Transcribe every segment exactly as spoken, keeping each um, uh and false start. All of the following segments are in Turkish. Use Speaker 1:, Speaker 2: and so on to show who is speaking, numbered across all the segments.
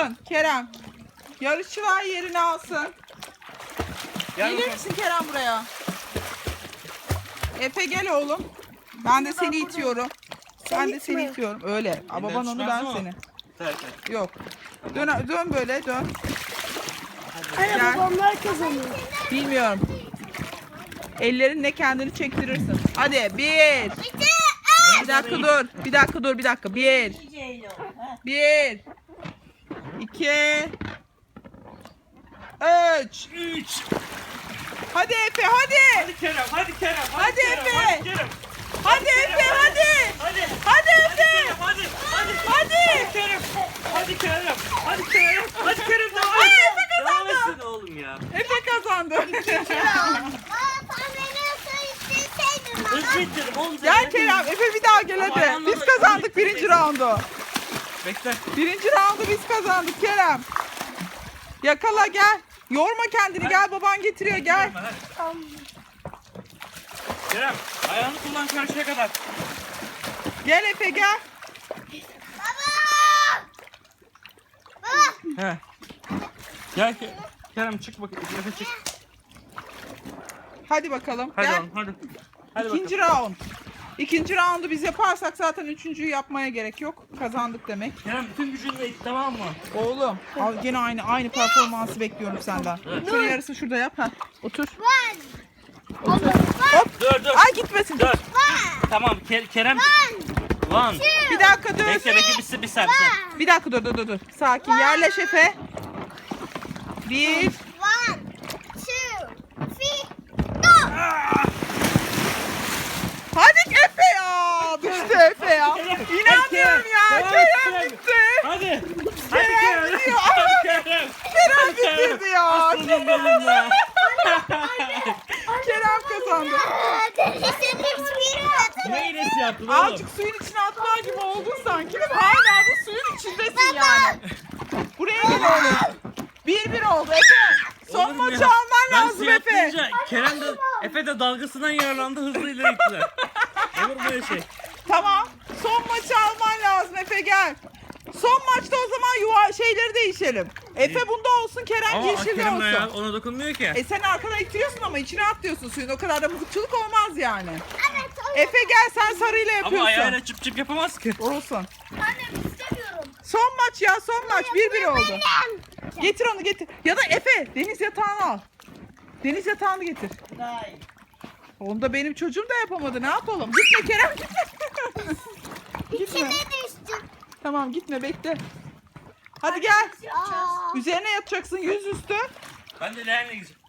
Speaker 1: alsın Kerem. Yarışçılar yerini alsın.
Speaker 2: Gel
Speaker 1: Gelir
Speaker 2: bakalım.
Speaker 1: misin Kerem buraya? Efe gel oğlum. Ben de seni itiyorum. Ben de seni itiyorum. Öyle. Aa, baban onu, ben seni.
Speaker 2: Evet, evet.
Speaker 1: Yok. Dön, dön böyle dön.
Speaker 3: Anne
Speaker 1: Gel.
Speaker 3: babamlar kazanıyor.
Speaker 1: Bilmiyorum. Ellerinle kendini çektirirsin. Hadi bir. Bir dakika dur. Bir dakika dur bir dakika. Bir. Bir. İki. Üç.
Speaker 2: Üç.
Speaker 1: Hadi Efe hadi.
Speaker 2: Hadi Kerem, hadi Kerem.
Speaker 1: Hadi
Speaker 2: Kerem,
Speaker 1: Efe.
Speaker 2: Hadi Kerem.
Speaker 1: Hadi Efe hadi.
Speaker 2: Hadi.
Speaker 1: Hadi Efe.
Speaker 2: Kerem, hadi. Hadi.
Speaker 1: Hadi.
Speaker 2: Kerem. Hadi Kerem. Hadi Kerem. Hadi Kerem devam
Speaker 1: Ay,
Speaker 2: et.
Speaker 1: Efe
Speaker 2: Devam
Speaker 1: kazandı.
Speaker 2: etsin oğlum ya.
Speaker 1: Efe kazandı.
Speaker 2: Hızlı ittirdim oğlum. sen
Speaker 1: Gel
Speaker 2: ne
Speaker 1: Kerem. Efe bir daha gel hadi. Biz kazandık birinci roundu.
Speaker 2: Bekle.
Speaker 1: Birinci roundu biz kazandık Kerem. Yakala gel. Yorma kendini gel, baban getiriyor gel.
Speaker 2: Kerem, ayağını kullan karşıya kadar.
Speaker 1: Gel Efe gel.
Speaker 2: He. Gel Ke- Kerem çık bakayım. Efe çık.
Speaker 1: Hadi bakalım
Speaker 2: Hadi
Speaker 1: gel.
Speaker 2: oğlum hadi. Hadi
Speaker 1: İkinci
Speaker 2: bakalım.
Speaker 1: round. İkinci roundu biz yaparsak zaten üçüncüyü yapmaya gerek yok. Kazandık demek.
Speaker 2: Kerem bütün gücünle it, tamam mı?
Speaker 1: Oğlum al gene aynı aynı performansı bekliyorum senden.
Speaker 2: Evet.
Speaker 1: Şunun yarısı şurada yap. Ha. Otur.
Speaker 3: Hop.
Speaker 2: Dur dur.
Speaker 1: Ay gitmesin.
Speaker 2: Dur. Tamam Ke- Kerem. One.
Speaker 1: Bir dakika dur.
Speaker 2: Bekle bekle bir, bir saniye. bir
Speaker 1: Bir dakika dur dur dur. dur. Sakin yerleş Efe. Bir. Hadi Efe ya. Düştü Efe ya. İnanmıyorum ya.
Speaker 2: Devam et,
Speaker 1: Kerem
Speaker 2: Kerem.
Speaker 1: gitti.
Speaker 2: Hadi. Hadi
Speaker 1: Kerem
Speaker 2: Kerem.
Speaker 1: gidiyor.
Speaker 2: Hadi Kerem.
Speaker 1: Kerem bitirdi ya.
Speaker 2: Aslanım benim ya.
Speaker 1: Kerem kazandı.
Speaker 2: Ne iğnesi yaptın oğlum?
Speaker 1: Azıcık suyun içine atlar gibi oldun sanki. Hala da suyun içindesin yani. Buraya gel oğlum. Bir bir oldu Efe. Son
Speaker 2: Olur mu
Speaker 1: maçı
Speaker 2: ya?
Speaker 1: alman
Speaker 2: Ben
Speaker 1: lazım
Speaker 2: suya
Speaker 1: Efe.
Speaker 2: atlayınca Kerem de Efe de dalgasından yararlandı, hızlı ileri gittiler. Olur mu böyle şey?
Speaker 1: Tamam. Son maçı alman lazım Efe gel. Son maçta o zaman yuva şeyleri değişelim. Efe bunda olsun, Kerem
Speaker 2: Ama
Speaker 1: yeşilde
Speaker 2: Kerem
Speaker 1: olsun.
Speaker 2: ayağı ona dokunmuyor ki.
Speaker 1: E sen arkadan ittiriyorsun ama içine atlıyorsun suyun. O kadar da mızıkçılık olmaz yani. Efe gel sen sarıyla
Speaker 2: Ama
Speaker 1: yapıyorsun.
Speaker 2: ayağıyla çıp çıp yapamaz ki.
Speaker 1: Olsun. Son maç ya son maç. Bir bir oldu. Getir onu getir. Ya da Efe deniz yatağını al. Deniz yatağını getir. Onu da benim çocuğum da yapamadı. Ne yapalım? Gitme Kerem gitme. gitme. Tamam gitme bekle. Hadi gel. Üzerine yatacaksın yüzüstü.
Speaker 2: Ben de leğenle gideceğim.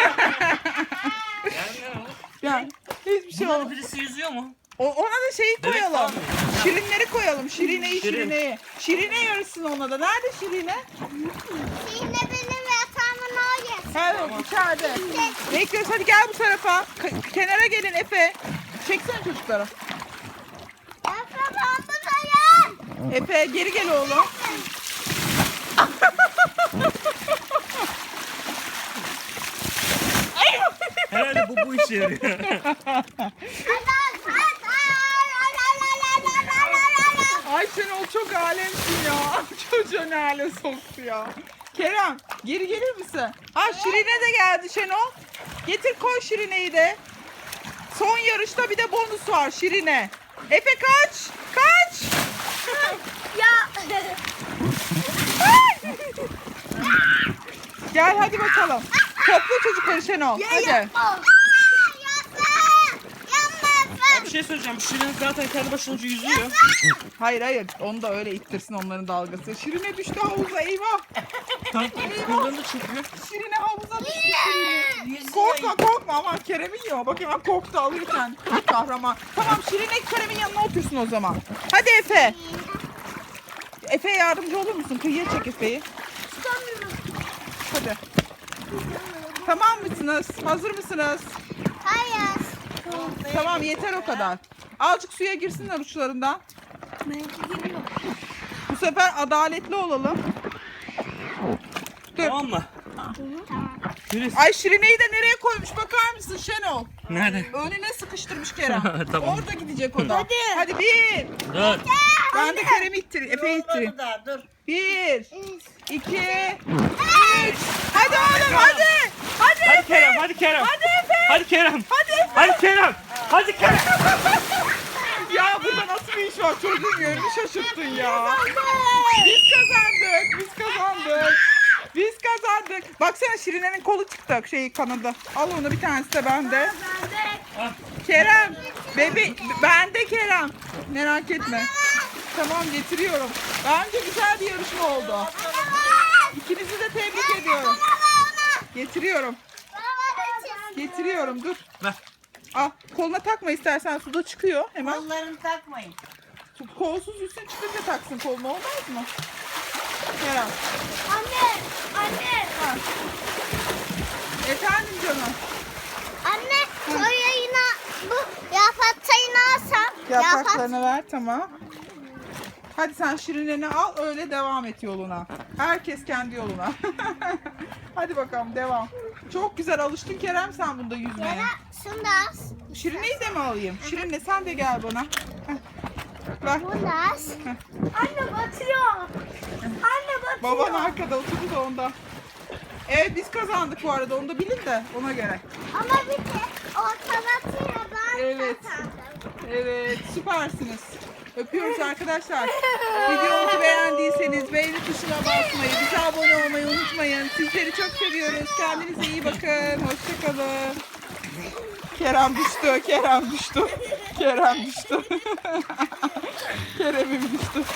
Speaker 2: Yani ne olur?
Speaker 1: Yani hiçbir şey
Speaker 2: Bunların
Speaker 1: olmaz.
Speaker 2: birisi yüzüyor mu?
Speaker 1: O- Ona da şeyi
Speaker 2: Bebek
Speaker 1: koyalım.
Speaker 2: falan mı?
Speaker 1: Şirinleri koyalım. Şirineyi
Speaker 2: Şirin.
Speaker 1: şirineyi. Şirine yarışsın ona da. Nerede Şirine? Evet içeride. Bekliyoruz hadi gel bu tarafa. K- kenara gelin Efe. Çeksene çocukları. Efe geri gel oğlum.
Speaker 2: Herhalde bu bu işe yarıyor.
Speaker 1: Ay Şenol çok alemsin ya. Çocuğu ne hale soktu ya. Kerem geri gelir misin? Ha Şirine de geldi Şenol. Getir koy Şirine'yi de. Son yarışta bir de bonus var Şirine. Efe kaç. Kaç. Gel hadi bakalım. Topla çocukları Şenol. Hadi.
Speaker 2: Ya bir şey söyleyeceğim. Şirin zaten kendi başına yüzüyor.
Speaker 1: Hayır hayır. Onu da öyle ittirsin onların dalgası. Şirine düştü havuza eyvah.
Speaker 2: Kıllarını da çekiyor.
Speaker 1: Şirine havuza düştü Şirine. Korkma korkma aman Kerem'in yiyor. Bak hemen korktu alırken. Kahraman. Tamam Şirine Kerem'in yanına otursun o zaman. Hadi Efe. Efe'ye yardımcı olur musun? Kıyıya çek Efe'yi. Hadi. Tamam mısınız? Hazır mısınız? Tamam yeter o kadar. Azıcık suya girsinler uçlarından. Bu sefer adaletli olalım. Dur.
Speaker 2: Tamam mı? Yürü.
Speaker 1: Ay Şirine'yi de nereye koymuş bakar mısın Şenol?
Speaker 2: Nerede?
Speaker 1: Önüne sıkıştırmış Kerem.
Speaker 2: Tamam.
Speaker 1: Orada gidecek o da.
Speaker 3: Hadi.
Speaker 1: Hadi bir.
Speaker 2: Dur.
Speaker 1: Ben de Kerem'i ittireyim. Efe'yi ittireyim.
Speaker 3: Dur.
Speaker 1: Bir. iki, üç. Hadi oğlum hadi. Hadi
Speaker 2: Hadi
Speaker 1: Efe.
Speaker 2: Kerem, hadi Kerem.
Speaker 1: Hadi Efe.
Speaker 2: Hadi Kerem.
Speaker 1: Hadi Efe.
Speaker 2: Hadi Kerem. Hadi Kerem.
Speaker 1: Ya burada nasıl bir iş var? Çocuğun yönünü şaşırttın ya. Biz kazandık. Biz kazandık. Biz kazandık. Baksana Şirine'nin kolu çıktı. Şey kanadı. Al onu, bir tanesi de bende. Kerem. Bebi bende Kerem. Merak etme. Tamam getiriyorum. Bence güzel bir yarışma oldu. İkinizi de tebrik ediyorum. Getiriyorum. Getiriyorum dur.
Speaker 2: Ver.
Speaker 1: Al koluna takma istersen, suda çıkıyor hemen.
Speaker 4: Kollarını takmayın.
Speaker 1: Kolsuz yüzün çıkınca taksın koluna, olmaz mı? Kerem.
Speaker 3: Anne, anne,
Speaker 1: Ha. Efendim canım.
Speaker 3: anne, soyayına bu yapraklarını alsam.
Speaker 1: Yapraklarını ver, tamam. Hadi sen şirinlerini al, öyle devam et yoluna. Herkes kendi yoluna. Hadi bakalım devam. Çok güzel alıştın Kerem sen bunda yüzmeye.
Speaker 3: Yara, şunu da al.
Speaker 1: Şirineyi de mi alayım? Şirinle sen de gel bana. Heh. Ver.
Speaker 3: Bunu da al. Anne batıyor. Anne batıyor.
Speaker 1: Baban arkada oturdu da onda. Evet biz kazandık bu arada, onu da bilin de ona göre.
Speaker 3: Ama bir de ortalatıyla ben
Speaker 1: Evet.
Speaker 3: kazandım.
Speaker 1: Evet süpersiniz. Öpüyoruz arkadaşlar. Videomuzu beğendiyseniz beğeni tuşuna basmayı, bize abone olmayı unutmayın. Sizleri çok seviyoruz. Kendinize iyi bakın. Hoşçakalın. Kerem düştü. Kerem düştü. Kerem düştü. Kerem'im düştü.